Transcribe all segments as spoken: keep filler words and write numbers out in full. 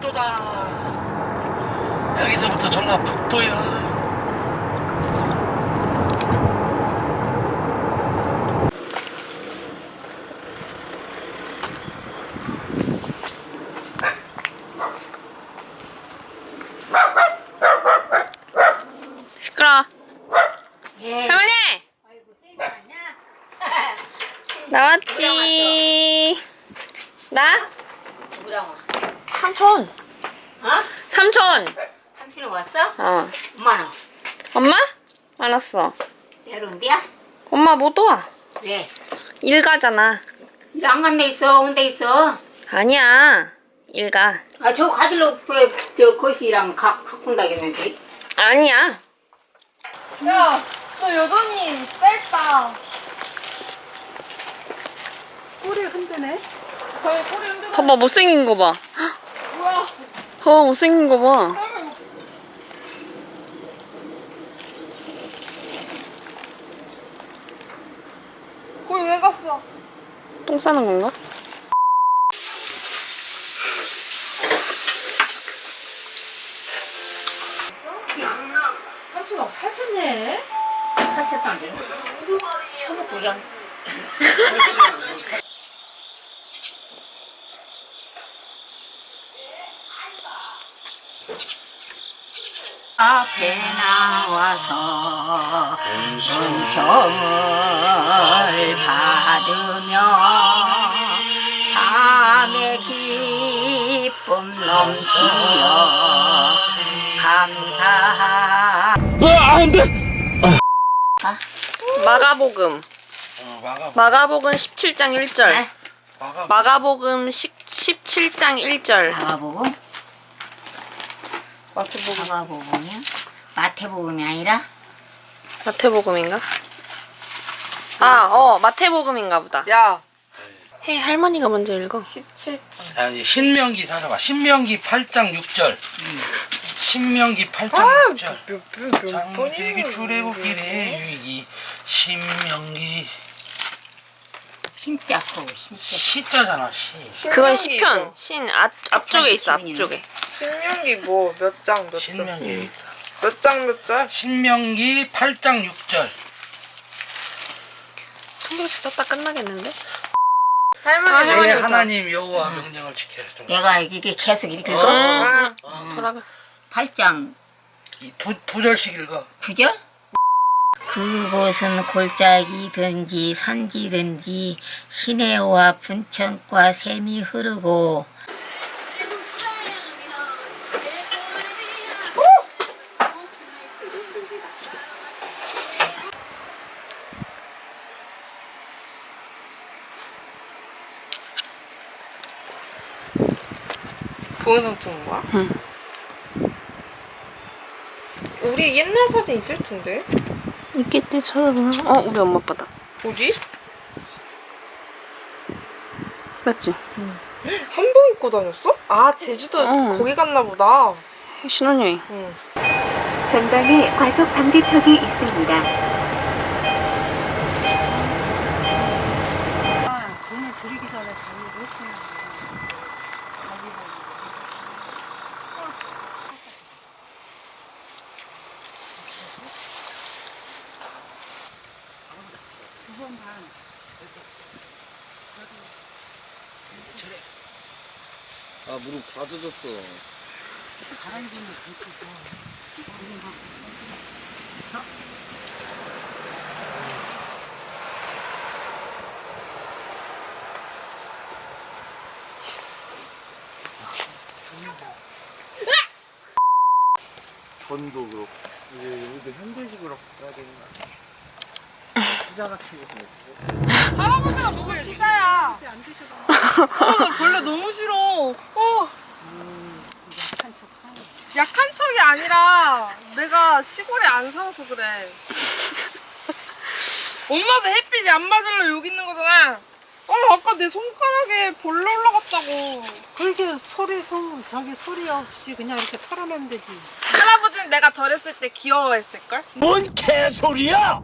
전라북도다. 여기서부터 전라북도야. 시끄러. 예. 할머니. 나왔지. 나? 누구랑 와? 삼촌. 어? 삼촌. 삼촌이 왔어? 어. 엄마는? 엄마? 알았어. 내려온대야? 엄마 못 와. 왜? 일 가잖아. 일 안 간 데 있어? 온 데 있어? 아니야. 일 가. 아, 저 가들로 그, 저 거시랑 가, 갖고 온다겠는데? 아니야. 야, 너 여전히 짧다. 꼬리 흔드네? 거의 꼬리 흔드네. 봐봐, 못생긴 거 봐. 뭐야? 봐봐, 못생긴 거 봐. 거기 왜 갔어? 똥 싸는 건가? 삼촌 막 살쪘네. 살쪘다는데? 처먹고 그냥. 앞에 나와서 은총을 받으며 밤의 기쁨 넘치어 감사하. 마가복음. 어, 마가. 마가복음 십칠 장 일 절. 네? 마가. 마가복음 십칠 장 일 절. 마가복음? 마태복음. 마가복음이야? 마태복음이 아니라? 마태복음인가? 아, 어, 마태복음인가 보다. 야, 해, 할머니가 먼저 읽어. 십칠 장. 아니 신명기 찾아봐. 신명기 팔 장 육 절. 신명기 팔 장 육 절. 장세기 출애굽기래 유익이 신명기 심자코, 심자. 시자잖아 시. 그건 시편. 신 앞, 앞쪽에 있어, 앞쪽에. 신명기 뭐 몇 장 몇 장? 신명기 여기 있다. 몇 장 몇 장? 신명기 팔 장 육 절. 성경책 쳤다 끝나겠는데? 할머니 아, 내 할머니 하나님 여호와 명령을 지켜야 돼. 내가 이게 계속 이렇게 어. 읽어? 응. 어. 돌아가. 팔 장 이 두, 두 절씩 읽어. 구 절? 그곳은 골짜기든지 산지든지 시내와 분천과 샘이 흐르고 동영상 찍는 거야? 응. 우리 옛날 사진 있을 텐데. 있겠지, 찾아보면. 어, 우리 엄마 아빠다. 어디? 맞지? 한복 입고 다녔어? 아, 제주도 응. 거기 갔나 보다. 신혼여행. 응. 전방에 과속 방지턱이 있습니다. 아 무릎 다 젖었어. 전도 그렇고 이제 여기도 현대식으로 바꿔야 되는 거 아니야? 피자 같은 거 먹고. 할아버지가 먹을 피자야. 어, 나 벌레 너무 싫어. 어. 약한 척이 아니라 내가 시골에 안 살아서 그래. 엄마도 햇빛이 안 맞으려 여기 있는 거잖아. 어, 아까 내 손가락에 벌레 올라갔다고. 그렇게 소리 소 저기 소리 없이 그냥 이렇게 털어내면 되지. 할아버지는 내가 저랬을 때 귀여워했을걸? 뭔 개소리야!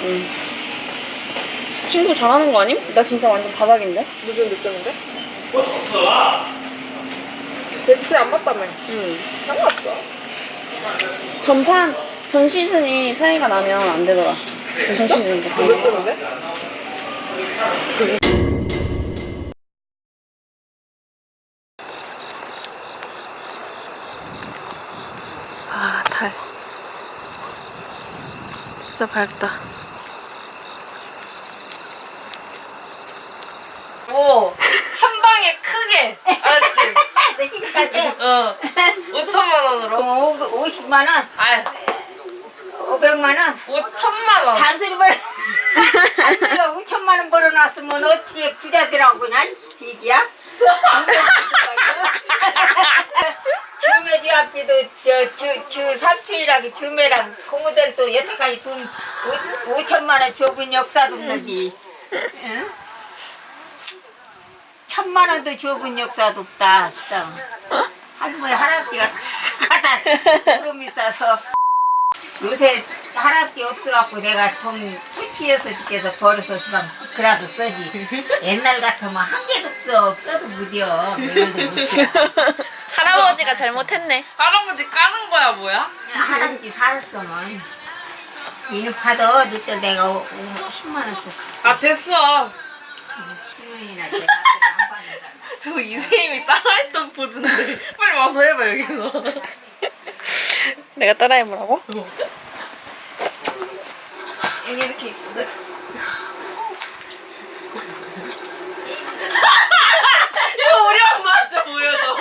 응. 친구 잘하는 거 아님? 나 진짜 완전 바닥인데? 무슨 몇 점인데? 배치 안 맞다며. 응. 상관없어. 전판, 전 시즌이 사이가 나면 안 되더라. 전 시즌도. 너 몇 점인데? 아, 달. 진짜 밝다. 오, 한 방에 크게. 알았지? 너 시집갈 때 어. 오천만 원으로. 그럼 오십만 원, 아, 오백만 원. 오천만 원. 잔소리 벌. 잔소리가 오천만 원 벌어놨으면 어떻게 부자들하고 그냥 비지야? 주매주 앞지도 저주 삼촌이랑 주매랑 고모들도 여태까지 돈 오, 오천만 원 줘본 역사도 없는데, 응? 천만 원도 줘본 역사도 없다. 진짜. 할머니 할아버지가 갖다 구름이 싸서 요새 할아버지 없어갖고 내가 좀 퇴치해서 집에서 버려서 시방 그라도 써지. 옛날 같으면 한 개도 없어. 써도 무디어. 매일도 못 써. 할아버지가 잘못했네. 할아버지 까는 거야 뭐야? 할아버지 살았으면 이는 받아. 늦때 내가 오- 오- 십만 원 썼어. 아 됐어. 십 년이나 내가 안 받는다. 저 이세임이 따라했던 포즈인데 빨리 와서 해봐 여기서. 내가 따라해보라고? 여기 이렇게 있거든. 이거 우리 엄마한테 보여줘.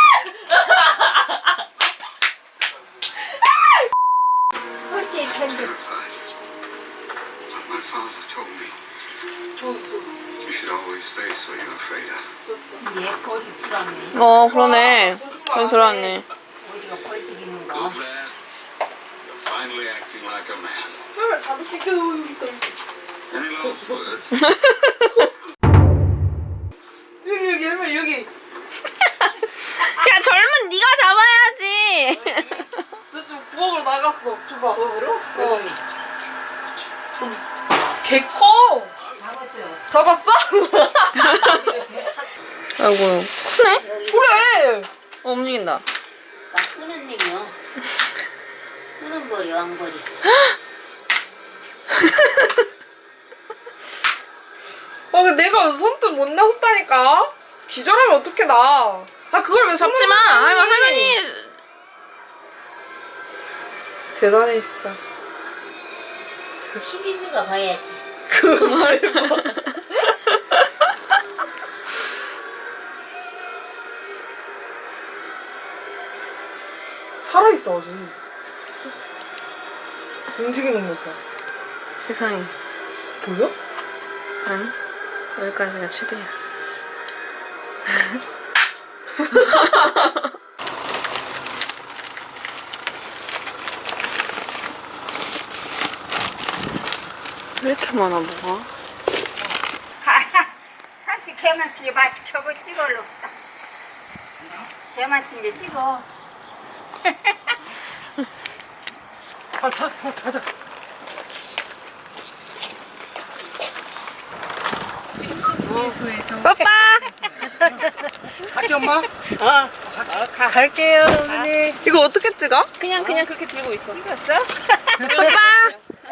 그렇지 편집. Like my father told me, you should always face what you're afraid of. 얘 거리 들어왔네. 어, 그러네. 그럼 들어왔네. 어디가 거리 들이는 거. Go there. You're finally acting like a man. Any last words? 여기 여기 할머니 여기. 야, 젊은 네가 잡아야지. 저좀 부엌으로 나갔어. 줘봐. 부엌으로? 어. 개 커. 잡았어. 잡았어? 아이고, 크네? 그래. 어, 움직인다. 나 쓰는 님이요. 쓰는 거리 왕거리. 아, 근데 내가 선뜻 못 나섰다니까. 기절하면 어떻게 나? 나 그걸 왜 잡지 마. 손으로 할머니, 하니? 할머니. 대단해 진짜. 십인미가 봐야지. 그거 말고. 살아있어 아직. 움직이는 것 봐. 세상에. 보여? 아니, 여기까지가 최대야. 왜 이렇게 많아, 뭐가? 한치 개만 치게 봐. 저거 찍어올라 없다. 개만 치게 찍어. 가자, 가자. 빠빠! 할게 엄마. 어, 가, 갈게요, 어머니. 이거 어떻게 찍어? 그냥, 그냥 그렇게 들고 있어. 찍었어? 빠빠!